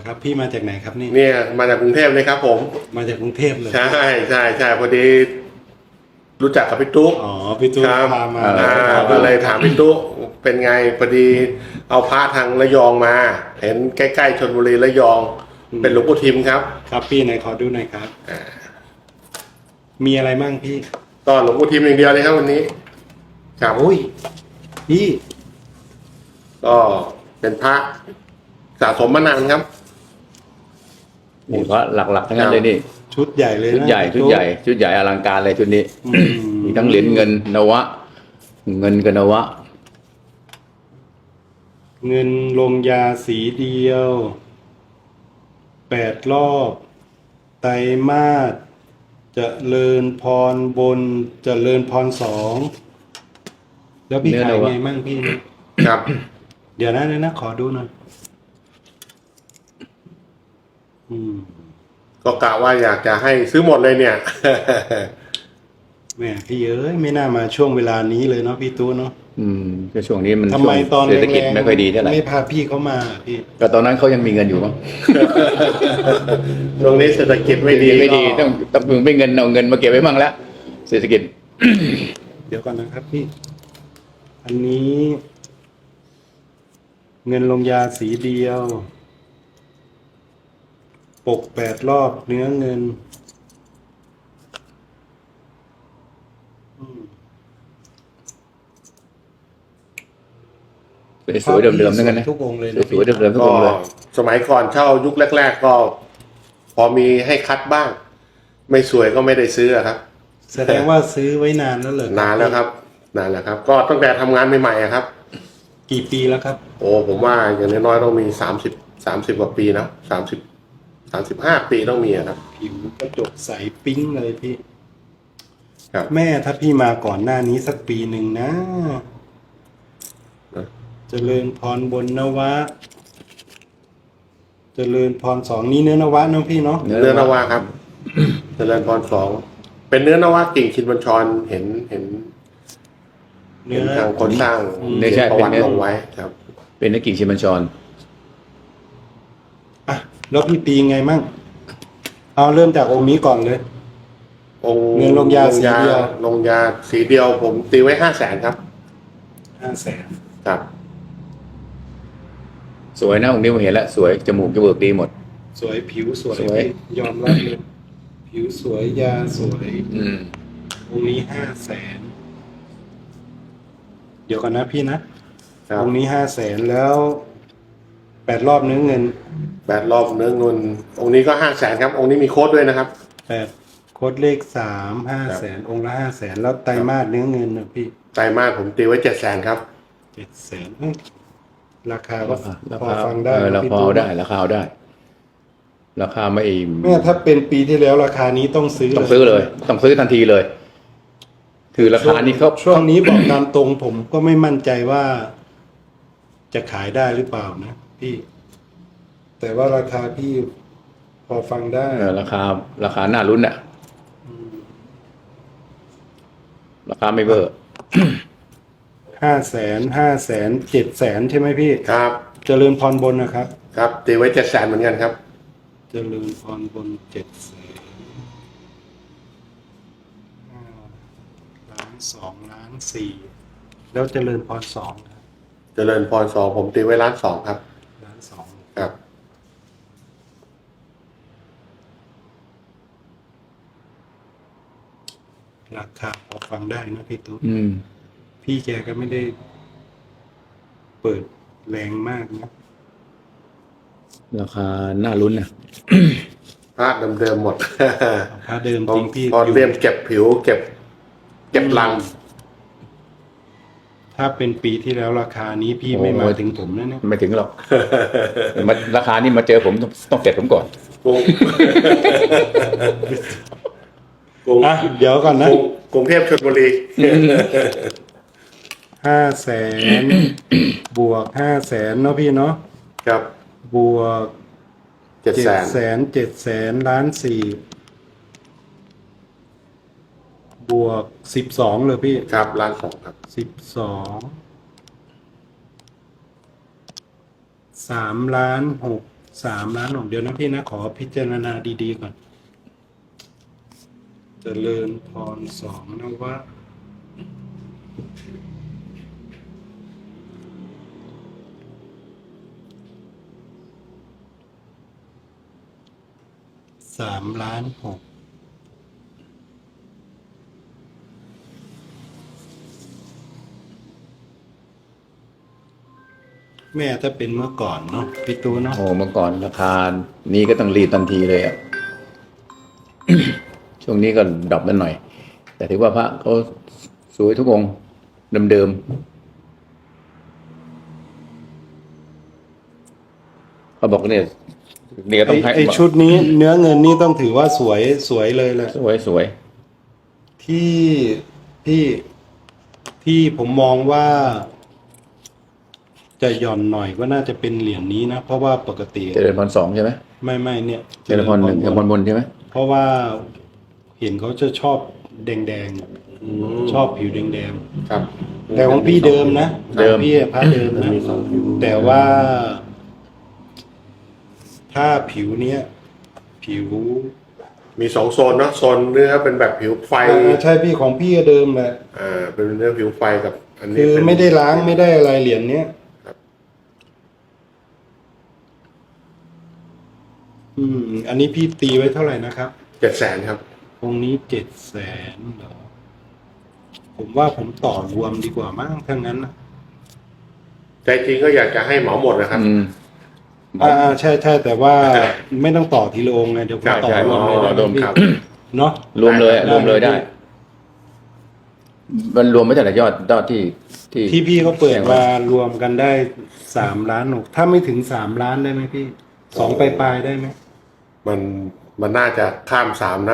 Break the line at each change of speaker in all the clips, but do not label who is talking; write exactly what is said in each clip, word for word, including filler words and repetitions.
ครับพี่มาจากไหนครับนี่
เนี่ยมาจากกรุงเทพเลยครับ ผม
มาจากกรุงเทพเลย
ใช่ใช่ใช่พอดีรู้จักกับพี่ตุ๊ก
อ๋อพี่ตุ๊ก
ครับ
พามา
อ่า
ขอ
ก็
ดู
เลยถามพี่ตุ๊กเป็นไงพอดีเอาพระทางระยองมา เห็นใกล้ๆชลบุรีระยอง เป็นหลวงปู่ทิมครับ
ครับพี่ไหนขอดูหน่อยครับมีอะไรมั่งพี่
ก็หลวงปู่ทิมอย่างเดียวเลยครับวันนี้ครับ
โอ้ยพี่
ก็เป็นพระสะสมมานานครับ
นี่เพราะหลักๆทั้งนั้นเลยนี่
ชุดใหญ่เลยนะ
ชุดใหญ่
พี่
ชุด
ตุ๊ก
ใหญ่ชุดใหญ่อลังการเลยชุดนี้
อื
มีทั้งเหรียญเงินนวะ เงินกับนวะ
เงินลงยาสีเดียวแปดรอบไตรมาสเจริญพรบนเจริญพรสองแล้วพี่
เนื้อ
ขาย
นวะ
ไงมั่งพี่
ครับ
เดี๋ยวนะเดี๋ยวนะขอดูหน่อยอืม
ก็กะว่าอยากจะให้ซื้อหมดเลยเนี่ย
แหม่พี่เอ้ยไม่น่ามาช่วงเวลานี้เลยเนาะพี่ตู้เนาะ
อืมก็ช่วงนี้มัน
ทำไมตอน
เศรษฐกิจ
แรงๆ
ไม่ค่อยดีเท่าไหร่
ไม่พาพี่เขามาพี่
ก็ตอนนั้นเขายังมีเงินอยู่มั้ง
ตรงนี้เศรษฐกิจไม่ดี
ไม่ดี
ก็
ต้องต้องไม่เงินเอาเงินมาเก็บไว้มั่งแล้วเศรษฐกิจ
เดี๋ยวก่อนนะครับพี่ อันนี้ เงินลงยาสีเดียว ปกแปดรอบเนื้อเงินอืม
สวยๆเดิมๆทั้งนั้นนะ
ทุกองค์เลยนะ
สวยๆเดิมๆทุก
ก็
องค์เลย
สมัยก่อนเช่ายุคแรก ๆ ก็ พอมีให้คัดบ้าง ไม่สวยก็ไม่ได้ซื้ออะครับ
แสดงว่าซื้อไว้นานแล้วเหรอน
านแล้วครับนานแล้วครับ ก็ตั้งแต่ทำงานใหม่ๆอะครับ
กี่ปีแล้วครับ
โอ้ผมว่าอย่างน้อยๆต้องมีสามสิบสามสิบกว่าปีนะสามสิบสามสิบห้าปีต้องมีอะครับ
ผิวกระจกใสปิ้งเลยพี่
ครับ
แม่ถ้าพี่มาก่อนหน้านี้สักปีหนึ่งนะ
นะ
เจริญพรบนนวะ เจริญพรสองนี่เนื้อนวะเน้องพี่เนาะ
เนื้อ
เนื้อนวาครับ เจริญพรสองเป็นเนื้อนวากิ่งชินบัญชรเห็นเห็น
เนื้
เห็
อน
ทางคนสร้าง
ไม่ใช่
ประวัติ
เป็นเนื้อ
ลงไว้ครับ
เป็นนักกิ่งชิมันชร
อ่ะแล้วพี่ปีไงมั่งเอาเริ่มจากองค์นี้ก่อนเลย
องค์
เงินลงยาสีเดียว
ลงยาสีเดียว ผมตีไว้ห้าแสนครับ
ห้าแสน
ครับ
สวยนะองค์นี้ผมเห็นแล้วสวยจมูกจมูกดีหมด
สวยผิวสวย
สวย
พี่ยอมรับเลยผิวสวยยาสวย
อืม
องค์นี้ห้าแสนเดี๋ยวก่อนนะพี่นะครับ องค์นี้ห้าแสนแล้วแปดรอบเนื้อเงิน
แปดรอบเนื้อเงินองค์นี้ก็ห้าแสนครับ องค์นี้มีโค้ดด้วยนะครับ
แปดโค้ดเลขสามห้าแสนองค์ละห้าแสนแล้วไตรมาสเนื้อเงินนะพี่
ไตรมาสผมตีไว้เจ็ดแสนครับ
เจ็ดแสนราคาก็
รา
พอ
คา
ฟังได้
เออ
นะ
รา
พี่
คา
ตู้
เอาได้ราคาเอาได้ ราคาไม่
แม่ถ้าเป็นปีที่แล้วราคานี้ต้องซื้อ
ต้องซื้อเลย ต้องซื้อทันทีเลย คือราคานี้เขา
ช่วงนี้บอกตามตรงผมก็ไม่มั่นใจว่า จะขายได้หรือเปล่านะพี่ แต่ว่าราคาพี่พอฟังได้
เออราคา ราคาหน้าลุ้นอะราคาไม่เบอร์
ห้าแสนห้าแสนเจ็ดแสนใช่ไหมพี่
ครับ
เจริญพรบนนะครับ
ครับตีไว้เจ็ดแสนเหมือนกันครับ
เจริญพรบนเจ็ดแสนล้านสองล้านสี่แล้วเจริญพรสองครับ
เจริญพรสองผมตีไว้ล้านสองครับ
ล้านสอง
ครับ
ราคาพอฟังได้นะพี่ตุ๊ก
อืม
พี่แกก็ไม่ได้ เปิดแรงมากนะ
ราคาหน้าลุ้นนะ
พระเดิมๆหมด
พระเดิม
พ
จ
อ
ริงพี่
พอ
อยู่
เรียมเก็บผิวเก็บ เก็บลัง
ถ้าเป็นปีที่แล้วราคานี้พี่ไม่มาถึงผมนะเนี่ย
ไม่ถึงหรอก มาราคานี้มาเจอผมต้องต้องเสร็จผมก่อน
กรุงกรุง
อ่ะเดี๋ยวก่อนนะ
กรุงกรุงเทพชลบุรี
ห้าแสนบวกห้าแสนเนาะพี่เนาะ
ครับ
บวก
เจ็ด
เจ็
แส
ด
น
แสนเจ็ดแสนล้านสี่บวกสิบสองเลยพี่
ครับล้านสองครับ
สิบสองสามล้านหกสามล้านหกเดี๋ยวนะพี่นะขอพิจารณาดีๆก่อนเจริญพรสองนะว่าสามล้านหกแม่ถ้าเป็นเมื่อก่อนเนาะพี่ตูเนาะ
โอ้เมื่อก่อนราคานี้ก็ต้องรีบทันทีเลยอ่ะ ช่วงนี้ก็ดรอปนั่นหน่อย แต่ถือว่าพระเขาสวยทุกองค์เดิมๆเขาบอกเนี่ยเนี่ย
ไอ
ต้องให้
ไอชุดนี้เนื้อเงินนี่ต้องถือว่าสวยสวยเลยแหละ
สวยสวย
ที่ที่ที่ผมมองว่า จะหย่อนหน่อยก็น่าจะเป็นเหรียญนี้นะ เพราะว่าปกติ
เจริญพรสองใช่ไหม
ไม่ไม่เนี่ย
เจริญพรหนึ่งเจริญพรบนใช่ไหม
เพราะว่าเห็นเขาจะชอบแดงแดง
อืม
ชอบผิวแดงแดง
ครับ
แต่ของพี่เดิมนะของพี่พระเดิมนะแต่ว่า ถ้าผิวเนี้ยผิว
มีสองโซนเนาะโซนเนื้อเป็นแบบผิวไฟ
อ่าใช่พี่ของพี่ก็เดิมแหละ
อ่าเป็นเนื้อผิวไฟกับอันนี้
คือ
เป็น
ไม่ได้ล้างไม่ได้อะไรเหรียญเนี้ย
ครับ
อืม อันนี้พี่ตีไว้เท่าไหร่นะครับ
เจ็ดแสนครับ
องค์นี้เจ็ดแสนเหรอ ผมว่าผมต่อรวมดีกว่ามั้งทั้งนั้นนะ
ใจจริงก็อยากจะให้เหมาหมดนะครับ
อืม
อ่าใช่ใช่แต่ว่าไม่ต้องต่อทีละองค์ไงเดี๋ยวผม
ใช่
ต่อ
ใช่
รวมเลย
อ๋อ
นะ
รวม
พี่
ครับ
เนาะ
รวมเลยอะ
ได้
รวมเลยได้
ได้
มันรวมไม่ใช่แต่ยอดยอดที่ที่
ที่พี่เขาเปิด
แจ้ง
มา
ไว้
รวมกันได้สามล้านหกถ้าไม่ถึงสามล้านได้ไหมพี่สองปลายๆได้ไหม
มันมันน่าจะข้ามสามนะ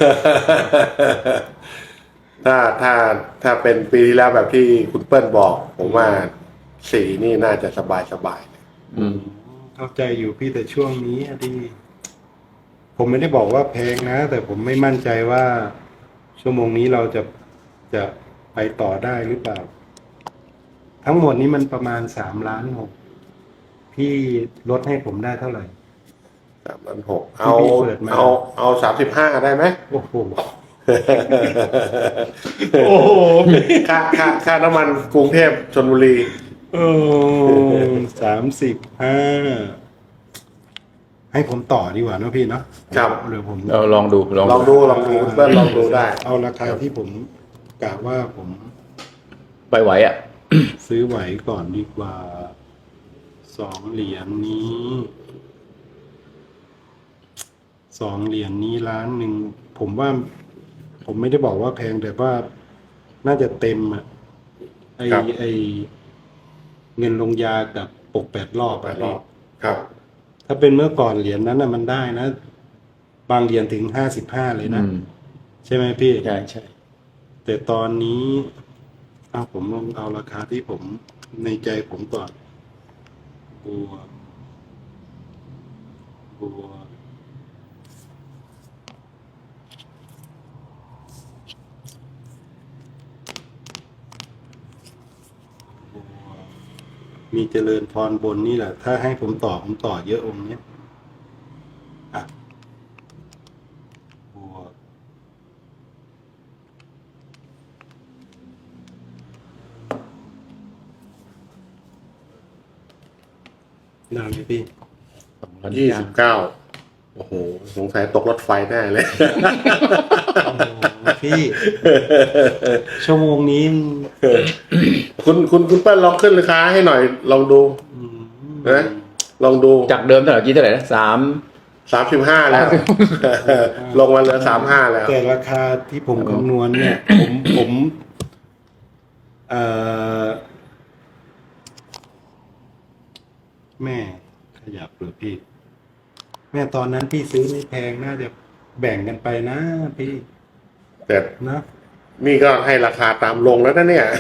ถ้าถ้าถ้าเป็นปีที่แล้วแบบที่คุณเปิ้ลบอก ผมว่าสี่นี่น่าจะสบายสบาย
อืม
เข้าใจอยู่พี่แต่ช่วงนี้อะดิผมไม่ได้บอกว่าแพงนะ แต่ผมไม่มั่นใจว่า ชั่วโมงนี้เราจะจะไปต่อได้หรือเปล่า ทั้งหมดนี้มันประมาณสามล้านหกพี่ลดให้ผมได้เท่าไหร่
สามล้านหกเอา
ที่พี่เปิดมา
เอาเอาสามสิบห้าได้ไหม
โอ้โห โอ้โห
ค่าค่าค่าน้ำมันกรุงเทพชลบุรี
เออสามสิบห้าให้ผมต่อดีกว่าเนอะพี่เนาะ
ครับ
เดี๋ยวผม
เราลองดูลอง
ลองดูลองดูเปิ้ลลองดูได้
เอาราคาที่ผมกะว่าผม
ไปไหวอ่ะ
ซื้อไหวก่อนดีกว่าสองเหรียญนี้สองเหรียญนี้ล้านหนึ่งผมว่า ผมไม่ได้บอกว่าแพงแต่ว่าน่าจะเต็มอ่ะไอ
ครับ
ไอเงินลงยากับปกแปดรอบ
แป
อะ
ดรอบครับ
ถ้าเป็นเมื่อก่อนเหรียญนั้นน่ะมันได้นะ บางเหรียญถึงห้าสิบห้าเลยนะ
อืม
ใช่ไหมพี่
ใช่ใช่
แต่ตอนนี้เอาผมลองเอาราคาที่ผมในใจผมก่อนบวกบวกบวกมีเจริญพรบนนี่แหละ ถ้าให้ผมต่อผมต่อเยอะองค์เนี้ยอ่ะบวก นานไหมพี่
สองล้าน
ยี่สิบเก้าโอ้โห สงสัยตกรถไฟแน่เลย
โอ้โหพี่ ชั่วโมงนี้
คุณคุณคุณเปิ้ลลองขึ้นราคาให้หน่อย ลองดู
อืม
นะลองดู
จากเดิมเท่าไหร่กี่เท่าไหร่นะสาม
สามสิบห้าแล้ว ลงมาเหลือสามห้าแล้ว
แต่ราคาที่ผมคำนวณเนี่ย ผมผมเอ่อแม่ขยับหรือพี่ แม่ตอนนั้นพี่ซื้อไม่แพงน่าจะแบ่งกันไปนะพี่
แต่
นะ
นี่ก็ให้ราคาตามลงแล้วนะเนี่ย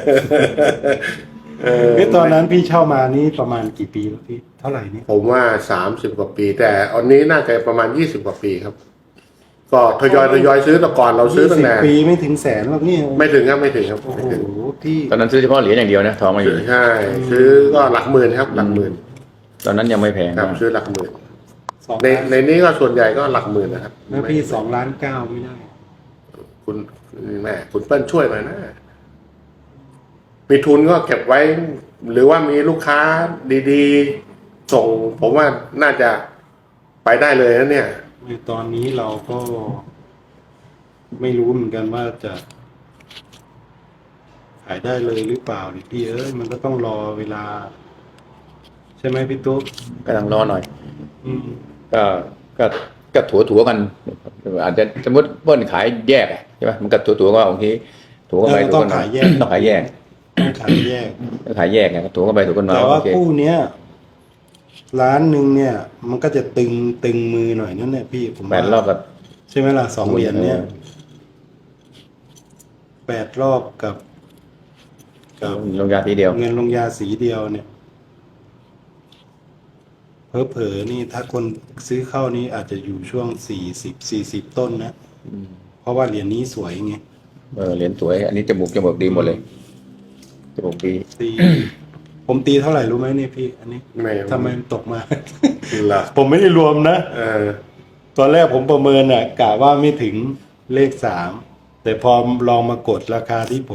เออ
เอ้ยตอนนั้นพี่เช่ามานี่ประมาณกี่ปีแล้วพี่เท่าไหร่นี่
ผมว่าสามสิบกว่าปี แต่อันนี้น่าจะประมาณยี่สิบกว่าปีครับ ก็ทยอยทยอยซื้อแต่ก่อนเราซื้อตั้งแต่
ยี่สิบปีไม่ถึงแสนหรอกนี่
ไม่ถึงครับไม่ถึงครับ
โอ้
ไม่
โห
ถึง
พี่
ตอนนั้นซื้อเฉพาะเหรียญอย่างเดียวนะทองมาอยู่
ใช่ ซื้อก็หลักหมื่นครับ หลักหมื่น
ตอนนั้นยังไม่แพง
ครับ
มาก
ซื้อหลักหมื่น
สอง
ใน
ล้าน
ในนี้ก็ส่วนใหญ่ก็หลักหมื่นนะครับ
แล้วพี่สองล้านเก้าไม่ได้
คุณแม่คุณเปิ้ลช่วยหน่อยนะ มีทุนก็เก็บไว้ หรือว่ามีลูกค้าดีๆ ส่ง ผมว่าน่าจะไปได้เลยนะเนี่ย
ในตอนนี้เราก็ไม่รู้เหมือนกันว่าจะ ขายได้เลยหรือเปล่าดิพี่เอ้ยมันก็ต้องรอเวลา ใช่ไหมพี่ตุ๊ก
กำลังรอหน่อย
อืม
ก็ก็ก็ถัวถัวๆกัน อาจจะสมมติเปิ้ลขายแยกอะใช่ไหมมันก็ถัวถัวๆก็บางทีถัวกันไป
เออ
ถัว
ต้อง
กันมา
ขายแยก
ต้องขายแยก
ต้องขายแยก
ต้องขายแยกไงถัวกันไปถัวกันมา
แต่ว่า
โอเค
คู่เนี้ยร้านหนึ่งเนี่ย มันก็จะตึงตึงมือหน่อยนั่นแหละพี่ผม
แป
ว่า
ดรอบแบบ
ใช่ไหมล่ะสองเหรียญเนี่ย
เออ
แปดรอบกับกับ
ลงยาทีเดียว
เงินลงยาสีเดียวเนี่ยเผลอๆนี่ถ้าคนซื้อเข้านี่อาจจะอยู่ช่วงสี่สิบสี่สิบต้นนะเพราะว่าเหรียญนี้สวยไง
เออเหรียญสวย อันนี้จมูกจมูกดีหมดเลยจมูกดี
ตี ผมตีเท่าไหร่รู้ไหมเนี่ยพี่ อันนี้
ไม่
ทำไมมันตกมา
ล่ะ
ผมไม่ได้รวมนะ
เออ
ตอนแรกผมประเมินอ่ะกะว่าไม่ถึงเลขสามแต่พอลองมากดราคาที่ผม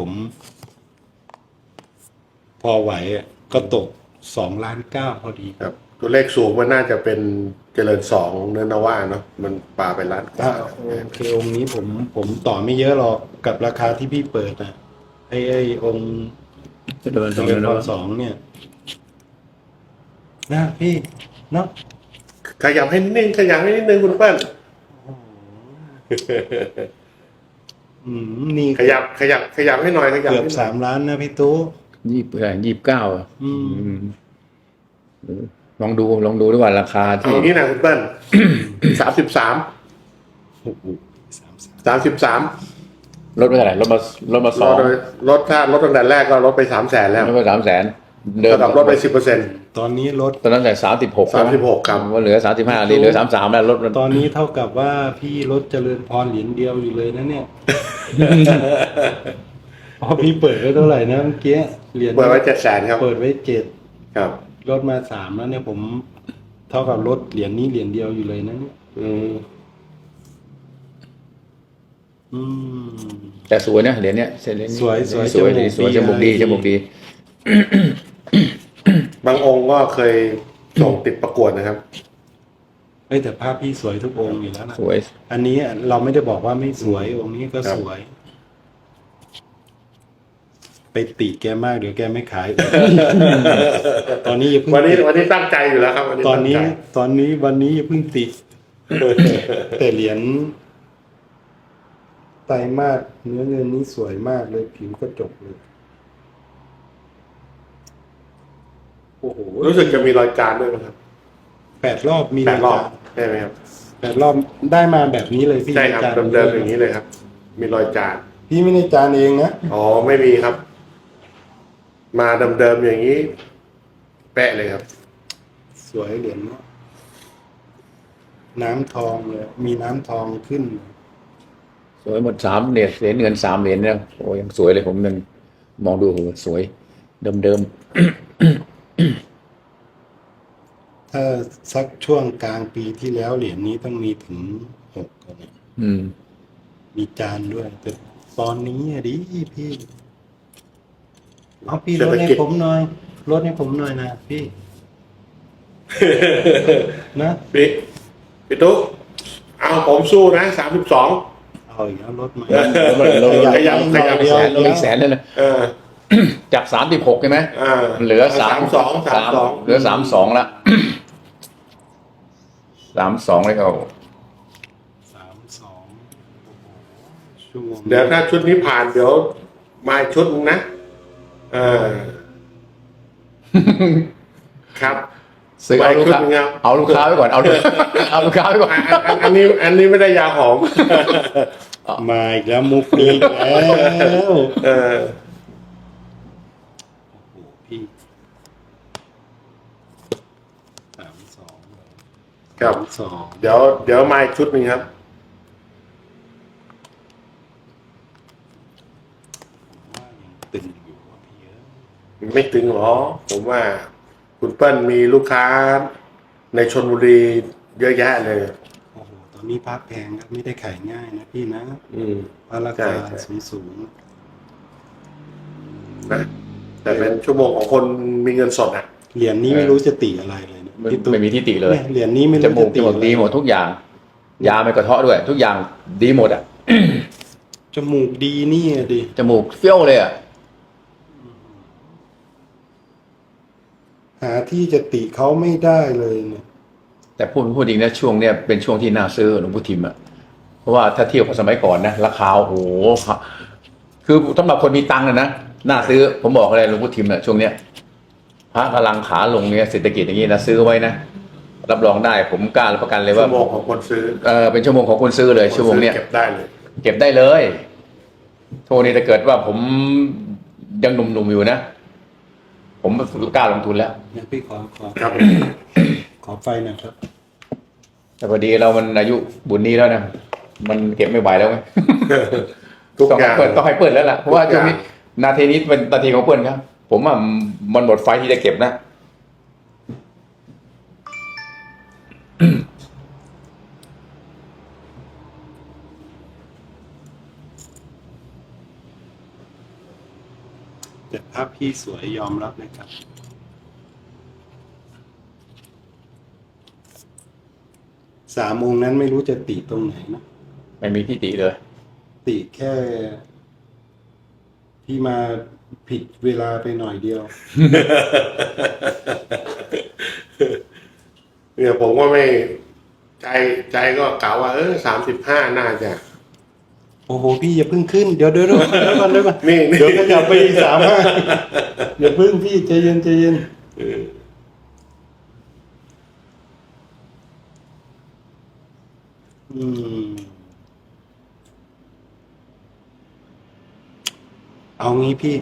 พอไหวอ่ะก็ตกสองล้านเก้าพอดี
ครับ ตัวเลขสูงมันน่าจะเป็นเจริญสองเนื้อนว่าเนาะมันปลาไปล้านก
อ่า
ว่า
โอเคองค์นี้ผมผมต่อไม่เยอะหรอกกับราคาที่พี่เปิดนะไอ้ไอ้องค์
เจริญส
เจ
อง
ริญ
เดือน
พ
แล้ว
รสองเนี่ยนะพี่เนาะ
ขยับให้นิดนึงขยับให้นิดนึงคุณเปิ้ล
อืมนี่
ขยับขยับขยับให้หน่อยขยับ
เกือบ
ให้หน่อย
สามล้านนะพี่ตู้
ยี่สิบยี่สิบเก้าอ่ะ
อืม
อืมลองดูลองดูด้วยว่าราคา
เอา
ที่
งี้นะคุณเปิ้ล สามสิบสาม
โอ้โหสามสาม
สามสิบสาม
ลดไปเท่าไหร่ลดมาลดมาส
ล
อง
ดลดถ้าลดตั้งแต่แรกก็ลดไปสามแสนแล้ว
ลดไปสามแสนเดิม
ระดับลดไปสิบเปอร์เซ็นต์
ตอนนี้ลด
ตอนนั้นแต่สามสิบหก
สามสิบหกครับ
ว่าเหลือสามสิบห้านี่เหลือสามสามแล้วลด
ตอนนี้เท่ากับว่าพี่ลดเจริญพรเหรียญเดียวอยู่เลยนะเนี่ย พอพี่เปิดไว้เท่าไหร่นะเมื่อกี้เหรียญ
เปิดไว้เจ็ดแสนครับ
เปิดไว้เจ็ด
ครับ
ลดมาสามแล้วเนี่ยผม เท่ากับลดเหรียญนี้เหรียญเดียวอยู่เลยนะเนี่ย
อืม
อืม
แต่สวยนะเหรียญเนี้ยเส้นเหรียญนี้
สวยสวย
สวย
จมูก
ดีสวย
ดี
จมูกดี
อะไรดี
จมูกดี
บางองค์ก็เคยส่งติดประกวดนะครับ
เอ้ยแต่ภาพพี่สวยทุกองค์อยู่แล้วนะ
สวย
อันนี้เราไม่ได้บอกว่าไม่สวยองค์นี้ก็
ครับ
สวย ไปติแกมากเดี๋ยวแกไม่ขาย ตอนนี้อย่าเพิ่ง
วันนี้
ติ
วันนี้ตั้งใจอยู่แล้วครับวันนี้
ตอนนี้
งใจ
ตอนนี้วันนี้อย่าเพิ่งติด แต่เหรียญไตรมาสเนื้อเงินนี้สวยมากเลยผิวกระจกเลย โอ้โห
รู้สึกจะมีรอยจานด้วยมั้งครับ
แปดรอบมี
แปดรอบ
ายการ
ใช่ไหมครับ
แปดรอบได้มาแบบนี้เลยพี่
ใช่ครับ
จาน
เดิมๆอย่างนี้เลยครับ มีรอยจาน
พี่ไม่ได้จานเองนะ
อ๋อไม่มีครับ มาเดิมๆอย่างนี้ แปะเลยครับ
สวยเหรียญเนี้ยน้ำทองเลยมีน้ำทองขึ้น
สวยหมดสามเหรียญเหรียญเงินสามเหรียญเนี่ยโอ้ยังสวยเลยผมยังมองดูโอ้โหสวย เดิมเดิม
ถ้าสักช่วงกลางปีที่แล้วเหรียญนี้ต้องมีถึงหกกันเนี่ย
ๆอืม
มีจานด้วย แต่ตอนนี้อะดิพี่เอาพี่
เศร
ล
ษ
ด
ฐ
ให้
กิจ
ผมหน่อยลดให้ผมหน่อยนะพี่ นะ
พี่พี่ตุ๊กเอาผมสู้นะสามสิบสอง
เอาอีกแล้วลดมา
ลด
ขยับขยับ
เดียว
แสนลดอีกแสนเลยนะ
เออ
จากสามสิบหกใช่ไหม
อ่า
เหลือสาม
สองสามสอง
เหลือสามสองละ สามสองเลยเขา
สามสองโอ้โหชั่วโมง
เดี๋ยวถ้าชุดนี้ผ่านเดี๋ยวมาอีกชุดนึงนะเออ ครับ
ซื้อเอาลูกค้า
ไปขึ้นครับ
เอาลูกค้าไว้ก่อน เอาลูก เอาลูกค้าไว้ก่อน
อันอันอันนี้ อันนี้ไม่ได้ยาหอม
มาอีกแล้วมุกนี้อีกแล้ว
เออ
โอ้โหพี่สามสอง
ครับ
สามสอง
เดี๋ยวเดี๋ยวมาอีกชุดหนึ่งครับ
ว่ายังตึงอยู่ว่ะพี่เอ้ย
ไม่ตึงหรอ ผมว่าคุณเปิ้ลมีลูกค้าในชลบุรีเยอะแยะเลย
โอ้โหตอนนี้พระแพงครับไม่ได้ขายง่ายนะพี่นะ
อืม
เพราะรา
ใช่
คา
ใช่
สูงสูง
นะแต่เป็นชั่วโมงของคนมีเงินสดอ่ะ
ๆเหรียญนี้ไม่รู้จะติอะไรเลยนะ
ไม่
พี่ตุ๊ก
ไม่มีที่ติเลย
เนี่ยเหรียญนี้ไม่
จ
รู้
มู
จะ
กจ
ติ
มูก
อะไร
ดีหมดทุกอย่าง ยาไม่กระเทาะด้วย ทุกอย่างดีหมดอ่ะ
จมูกดีนี่อะดิ
จมูกเฟี้ยวเลยอ่ะ
หาที่จะติเขาไม่ได้เลยเนี่ย
แต่พูดพูดจริงนะช่วงเนี้ยเป็นช่วงที่น่าซื้อหลวงพ่อทิมอ่ะเพราะว่าถ้าเทียบกับสมัยก่อนนะราคาโอ้โหคือสำหรับคนมีตังค์นะนะน่าซื้อผมบอกเลยหลวงพ่อทิมอ่ะช่วงเนี้ยพระกำลังขาลงเนี่ยเศรษฐกิจอย่างนี้นะซื้อไว้นะรับรองได้ผมกล้ารับประกันเลย
ชั่
ว่า
วโมงของคนซื้อ
เออเป็นชั่วโมงของคนซื้อเลยชั่วโมงเนี้ย
เก็บได้เลย
เก็บได้เลยโทนี้ถ้าเกิดว่าผมยังหนุ่มๆอยู่นะผมกล้าลงทุนแล้ว
เนี่ยพี่ขอขอ
ครับ
ขอไฟหน่อยครับ
แต่พอดีเรามันอายุบุญนี้แล้วนะมันเก็บไม่ไหวแล้วไง
ทุก
ต้อง
อ
ให้
ย่าง
เปิดต้องให้เปิดแล้วล่ะเพราะว่า
ทุก
ช่
อ
วง
ย่าง
นี้นาทีนี้เป็นนาทีของเปิดครับ ผมว่ามันหมดไฟที่จะเก็บนะ
แต่ภาพพี่สวยยอมรับเลยครับ สามองค์นั้นไม่รู้จะติตรงไหนนะ
ไม่มีที่ติเลย
ติแค่ พี่มาผิดเวลาไปหน่อยเดียว
เนี่ยผมก็ไม่ใจใจก็กล่าวว่าเออสามสิบห้าน่าจะ
โอ้โห พี่อย่าเพิ่งขึ้น เดี๋ยวเดี๋ยวเดี๋ยวเดี๋ยวก่อนเดี๋ยวก่อน
นี่นี่
เดี๋ยวขยับไปอีกสามห้าอย่าเพิ่งพี่ใจเย็นใจเย็น
เออ
อืม เอางี้พี่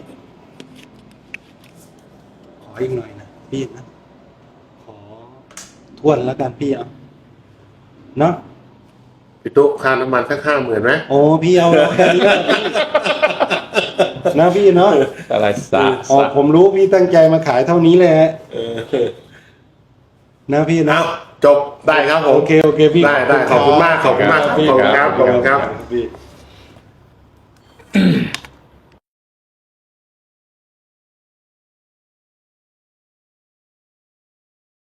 ขออีกหน่อยนะพี่นะ ขอทวนแล้วกันพี่เอาเนาะ
พี่ตุ๊กค่าน้ำมันสักห้าหมื่นไหม
โอ้พี่เอาแล้วแค่นี้นะพี่นะพี่เนาะ
อะไรสา
อ๋อผมรู้พี่ตั้งใจมาขายเท่านี้แหละ
เออ
นะพี่นะ
เอาจบได้ครับผม
โอเคโอเคพี่
ได้ได้ขอบคุณมากขอบคุณมาก
พี่
ขอบคุณครับขอบคุณครับ
พี่